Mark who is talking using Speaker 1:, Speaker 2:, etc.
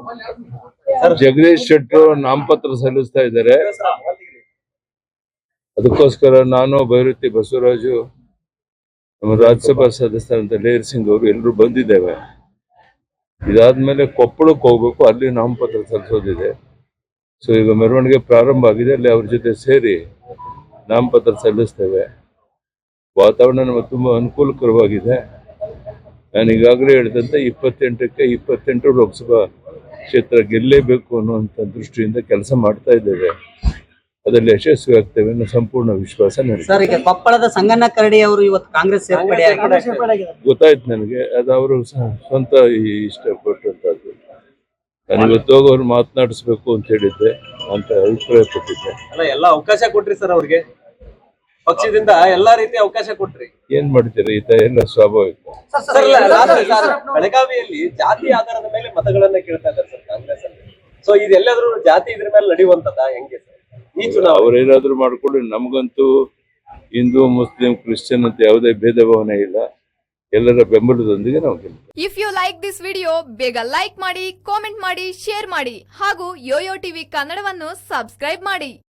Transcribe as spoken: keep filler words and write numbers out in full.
Speaker 1: ಜಗದೀಶ್ ಶೆಟ್ಟರ್ ನಾಮಪತ್ರ ಸಲ್ಲಿಸ್ತಾ ಇದ್ದಾರೆ. ಅದಕ್ಕೋಸ್ಕರ ನಾನು ಭೈರತಿ ಬಸವರಾಜು, ನಮ್ಮ ರಾಜ್ಯಸಭಾ ಸದಸ್ಯರಂತ ಲೇರ್ ಸಿಂಗ್ ಅವರು ಎಲ್ಲರೂ ಬಂದಿದ್ದೇವೆ. ಇದಾದ್ಮೇಲೆ ಕೊಪ್ಪಳಕ್ಕೆ ಹೋಗ್ಬೇಕು, ಅಲ್ಲಿ ನಾಮಪತ್ರ ಸಲ್ಲಿಸೋದಿದೆ. ಸೊ ಈಗ ಮೆರವಣಿಗೆ ಪ್ರಾರಂಭ ಆಗಿದೆ, ಅಲ್ಲಿ ಅವ್ರ ಜೊತೆ ಸೇರಿ ನಾಮಪತ್ರ ಸಲ್ಲಿಸ್ತೇವೆ. ವಾತಾವರಣ ನಮಗೆ ತುಂಬಾ ಅನುಕೂಲಕರವಾಗಿದೆ. ನಾನು ಈಗಾಗಲೇ ಹೇಳಿದಂತೆ ಇಪ್ಪತ್ತೆಂಟಕ್ಕೆ ಇಪ್ಪತ್ತೆಂಟು ಲೋಕಸಭಾ ಕ್ಷೇತ್ರ ಗೆಲ್ಲೇಬೇಕು ಅನ್ನುವಂಥ ದೃಷ್ಟಿಯಿಂದ ಕೆಲಸ ಮಾಡ್ತಾ ಇದ್ದೇವೆ. ಅದರಲ್ಲಿ ಯಶಸ್ವಿ ಆಗ್ತೇವೆ ಅನ್ನೋ ಸಂಪೂರ್ಣ ವಿಶ್ವಾಸ ನನಗೆ.
Speaker 2: ಸರ್, ಈಗ ಕೊಪ್ಪಳದ ಸಂಗಣ್ಣ ಕರಡಿ ಅವರು ಇವತ್ತು ಕಾಂಗ್ರೆಸ್ ಸೇರ್ಪಡೆ
Speaker 1: ಗೊತ್ತಾಯ್ತು ನನಗೆ. ಅದು ಅವರು ಸ್ವಂತ ಇಷ್ಟಪಟ್ಟಂತದ್ದು. ನಾನು ಇವತ್ತು ಹೋಗಿ ಅವ್ರು ಮಾತನಾಡಿಸ್ಬೇಕು ಅಂತ ಹೇಳಿದ್ದೆ, ಅಂತ ಅಭಿಪ್ರಾಯ ಪಟ್ಟಿದ್ದೆ.
Speaker 3: ಅಲ್ಲ, ಎಲ್ಲ ಅವಕಾಶ ಕೊಟ್ರಿ ಸರ್ ಅವ್ರಿಗೆ, ಪಕ್ಷದಿಂದ ಎಲ್ಲಾ ರೀತಿಯ ಅವಕಾಶ ಕೊಟ್ರಿ.
Speaker 1: ಏನ್ ಮಾಡ್ತೀರಾ, ಈ ತರ ಎಲ್ಲ ಸ್ವಾಭಾವಿಕ.
Speaker 3: ಬೆಳಗಾವಿಯಲ್ಲಿ ಜಾತಿ ಆಧಾರದ ಮೇಲೆ ಮತಗಳನ್ನ ಕೇಳ್ತಾ ಇದ್ದಾರೆ ಸರ್ ಕಾಂಗ್ರೆಸ್ ಅಲ್ಲಿ. ಸೊ ಇದೆಲ್ಲಾದ್ರೂ ಜಾತಿ ಇದ್ರ ಮೇಲೆ ನಡೆಯುವಂತದ ಹೆಂಗೆ ಸರ್ ಈ ಚುನಾವಣೆ?
Speaker 1: ಅವ್ರೇನಾದ್ರೂ ಮಾಡ್ಕೊಳ್ಳಿ, ನಮಗಂತೂ ಹಿಂದೂ ಮುಸ್ಲಿಂ ಕ್ರಿಶ್ಚಿಯನ್ ಅಂತ ಯಾವುದೇ ಭೇದ ಭಾವನೆ ಇಲ್ಲ. ಎಲ್ಲರ ಬೆಂಬಲದೊಂದಿಗೆ ನಾವು ಗೆಲ್ತೀವಿ.
Speaker 4: If you like this video, ಬೇಗ ಲೈಕ್ ಮಾಡಿ, ಕಾಮೆಂಟ್ ಮಾಡಿ, ಶೇರ್ ಮಾಡಿ ಹಾಗೂ ಯೋಯೋ ಟಿವಿ ಕನ್ನಡವನ್ನು ಸಬ್ಸ್ಕ್ರೈಬ್ ಮಾಡಿ.